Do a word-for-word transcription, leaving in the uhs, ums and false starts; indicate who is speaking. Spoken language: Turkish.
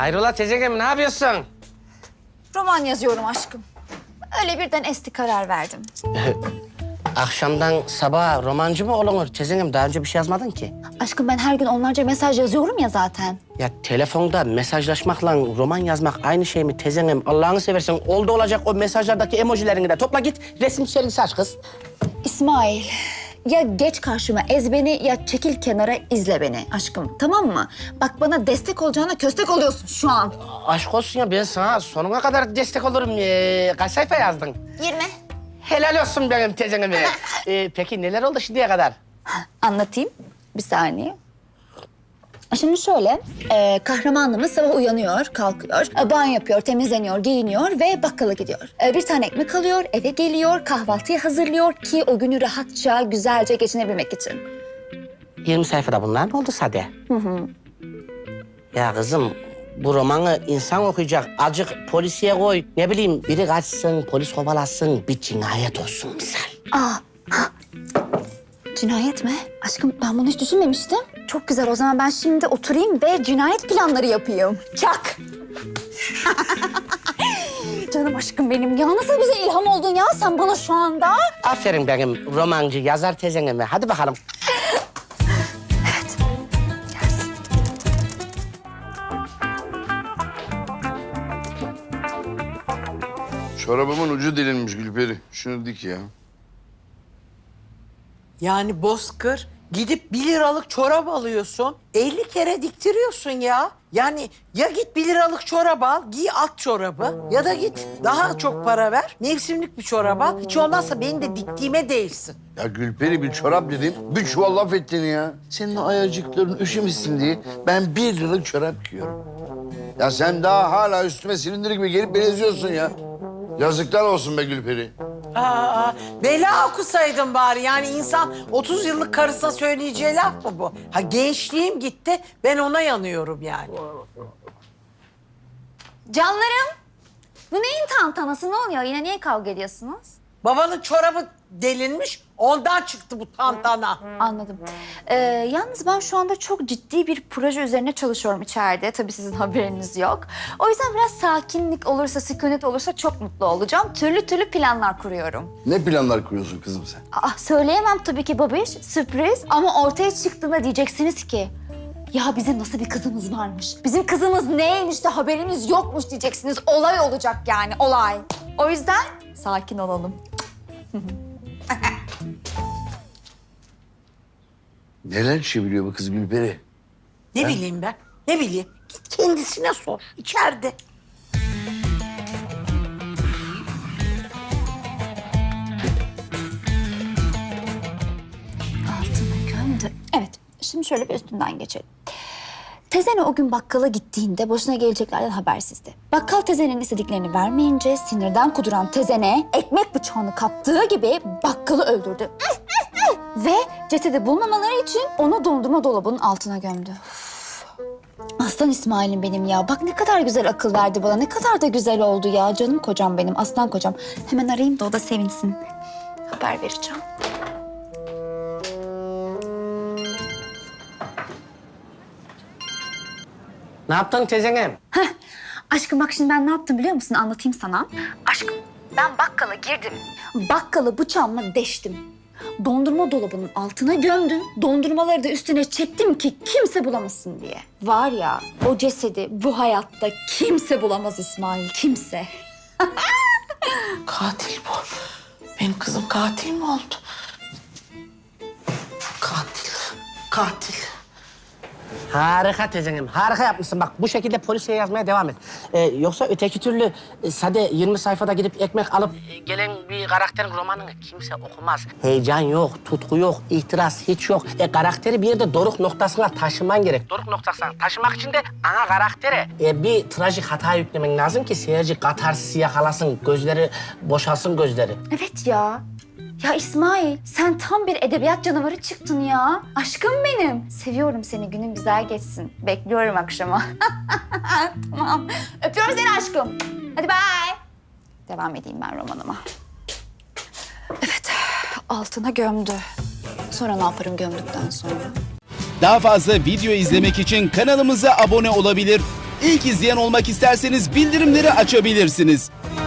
Speaker 1: Hayrola teyzeciğim, ne yapıyorsun?
Speaker 2: Roman yazıyorum aşkım. Öyle birden esti karar verdim.
Speaker 1: Akşamdan sabaha romancı mı olunur? Teyzeciğim, daha önce bir şey yazmadın ki.
Speaker 2: Aşkım ben her gün onlarca mesaj yazıyorum ya zaten.
Speaker 1: Ya telefonda mesajlaşmakla roman yazmak aynı şey mi teyzeciğim? Allah'ını seversen oldu olacak o mesajlardaki emojilerini de topla git. Resim sergisi aç kız.
Speaker 2: İsmail, ya geç karşıma ez beni ya çekil kenara izle beni aşkım, tamam mı? Bak bana destek olacağına köstek oluyorsun şu an.
Speaker 1: Aşk olsun ya, ben sana sonuna kadar destek olurum. Ee, kaç sayfa yazdın?
Speaker 2: Yirmi.
Speaker 1: Helal olsun benim teyzeciğim. ee, peki neler oldu şimdiye kadar?
Speaker 2: Anlatayım. Bir saniye. Şimdi şöyle, e, kahramanımız sabah uyanıyor, kalkıyor, e, banyo yapıyor, temizleniyor, giyiniyor ve bakkala gidiyor. E, bir tane ekmek alıyor, eve geliyor, kahvaltıyı hazırlıyor ki o günü rahatça, güzelce geçinebilmek için.
Speaker 1: yirmi sayfada bunlar mı oldu Sade? Hı hı. Ya kızım, bu romanı insan okuyacak. Azıcık polisiye koy. Ne bileyim, biri kaçsın, polis kovalasın, bir cinayet olsun misal.
Speaker 2: Aa, ha. Cinayet mi? Aşkım ben bunu hiç düşünmemiştim. Çok güzel, o zaman ben şimdi oturayım ve cinayet planları yapayım. Çak! Canım aşkım benim ya, nasıl güzel ilham oldun ya sen bana şu anda.
Speaker 1: Aferin benim romancı, yazar teyzeme. Hadi bakalım.
Speaker 2: Evet. Gelsin.
Speaker 3: Çorabımın ucu delinmiş Gülperi. Şunu dik ya.
Speaker 4: Yani bozkır gidip bir liralık çorap alıyorsun, elli kere diktiriyorsun ya. Yani ya git bir liralık çorap al, giy at çorabı ya da git daha çok para ver, mevsimlik bir çorap al. Hiç olmazsa benim de diktiğime değilsin.
Speaker 3: Ya Gülperi bir çorap dedim, bir çuval laf ettin ya. Senin o ayacıkların üşümesin diye ben bir liralık çorap giyiyorum. Ya sen daha hala üstüme silindir gibi gelip beni eziyorsun ya. Yazıklar olsun be Gülperi.
Speaker 4: Aa, bela okusaydın bari. Yani insan otuz yıllık karısına söyleyeceği laf mı bu? Ha gençliğim gitti, ben ona yanıyorum yani.
Speaker 2: Canlarım, bu neyin tantanası, ne oluyor? Yine niye kavga ediyorsunuz?
Speaker 4: Babanın çorabı delinmiş, ondan çıktı bu tantana.
Speaker 2: Anladım. Ee, yalnız ben şu anda çok ciddi bir proje üzerine çalışıyorum içeride. Tabii sizin haberiniz yok. O yüzden biraz sakinlik olursa, sükunet olursa çok mutlu olacağım. Türlü türlü planlar kuruyorum.
Speaker 3: Ne planlar kuruyorsun kızım sen?
Speaker 2: Aa, söyleyemem tabii ki babiş, sürpriz. Ama ortaya çıktığında diyeceksiniz ki... Ya bizim nasıl bir kızımız varmış? Bizim kızımız neymiş de haberimiz yokmuş diyeceksiniz. Olay olacak yani, olay. O yüzden sakin olalım.
Speaker 3: Neler çeviriyor bu kız Gülperi?
Speaker 4: Ne bileyim ben, ne bileyim. Git kendisine sor, içeride.
Speaker 2: Altını gömdü. Evet, şimdi şöyle bir üstünden geçelim. Tezene o gün bakkala gittiğinde başına geleceklerden habersizdi. Bakkal tezenenin istediklerini vermeyince sinirden kuduran tezene ekmek bıçağını kaptığı gibi bakkalı öldürdü. Ve cesedi bulmamaları için onu dondurma dolabının altına gömdü. Üf. Aslan İsmail'im benim ya. Bak ne kadar güzel akıl verdi bana. Ne kadar da güzel oldu ya. Canım kocam benim, aslan kocam. Hemen arayayım da o da sevinsin. Haber vereceğim.
Speaker 1: Ne yaptın teyzeciğim?
Speaker 2: Heh. Aşkım bak şimdi ben ne yaptım biliyor musun? Anlatayım sana. Aşkım ben bakkala girdim. Bakkalı bıçağımla deştim. Dondurma dolabının altına gömdüm. Dondurmaları da üstüne çektim ki kimse bulamasın diye. Var ya o cesedi bu hayatta kimse bulamaz İsmail, kimse.
Speaker 4: Katil bu. Benim kızım katil mi oldu? Katil, katil.
Speaker 1: Harika teyzeciğim, harika yapmışsın. Bak bu şekilde polisiye yazmaya devam et. Ee, yoksa öteki türlü e, Sade yirmi sayfada gidip ekmek alıp e, gelen bir karakterin romanını kimse okumaz. Heyecan yok, tutku yok, ihtiras hiç yok. E, karakteri bir yerde doruk noktasına taşıman gerek. Doruk noktasına taşımak için de ana karaktere e, bir trajik hata yüklemen lazım ki seyirci katarsisi yakalasın, gözleri boşalsın gözleri.
Speaker 2: Evet ya. Ya İsmail, sen tam bir edebiyat canavarı çıktın ya. Aşkım benim. Seviyorum seni, günün güzel geçsin. Bekliyorum akşama. Tamam. Öpüyorum seni aşkım. Hadi bye. Devam edeyim ben romanıma. Evet, altına gömdü. Sonra ne yaparım gömdükten sonra?
Speaker 5: Daha fazla video izlemek için kanalımıza abone olabilir. İlk izleyen olmak isterseniz bildirimleri açabilirsiniz.